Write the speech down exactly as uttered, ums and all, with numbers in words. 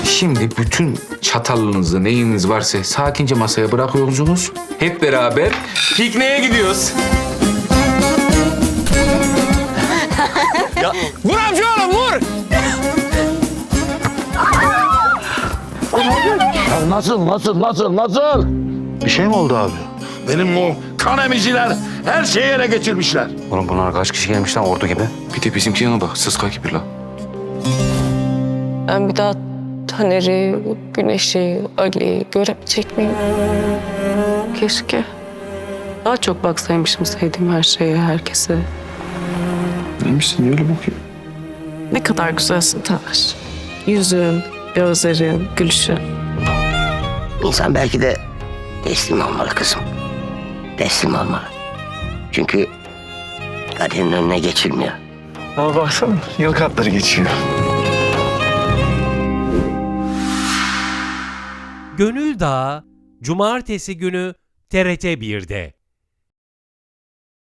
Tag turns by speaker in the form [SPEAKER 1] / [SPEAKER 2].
[SPEAKER 1] Şimdi bütün çatalınızı, neyiniz varsa sakince masaya bırakıyorsunuz. Hep beraber pikniğe gidiyoruz.
[SPEAKER 2] Vur amca oğlum vur.
[SPEAKER 3] Ya nasıl, nasıl, nasıl, nasıl?
[SPEAKER 4] Bir şey mi oldu abi?
[SPEAKER 3] Benim o kan emiciler her şeyi ele geçirmişler.
[SPEAKER 1] Oğlum bunlar kaç kişi gelmiş lan ordu gibi? Bir de bizimkine bak, sıska gibi lan.
[SPEAKER 5] Ben bir daha Taner'i, Güneş'i, Ali'yi göremeyecek miyim? Keşke. Daha çok baksaymışım sevdiğim her şeye, herkese.
[SPEAKER 4] Neymişsin? Niye öyle bakıyor?
[SPEAKER 5] Ne kadar güzelsin Taner. Yüzün, gözlerin, gülüşün.
[SPEAKER 6] İnsan belki de teslim olmalı kızım. Teslim olmalı. Çünkü kaderin önüne geçilmiyor.
[SPEAKER 4] Ama baksana yıl katları geçiyor.
[SPEAKER 7] Gönül Dağı Cumartesi günü T R T bir'de.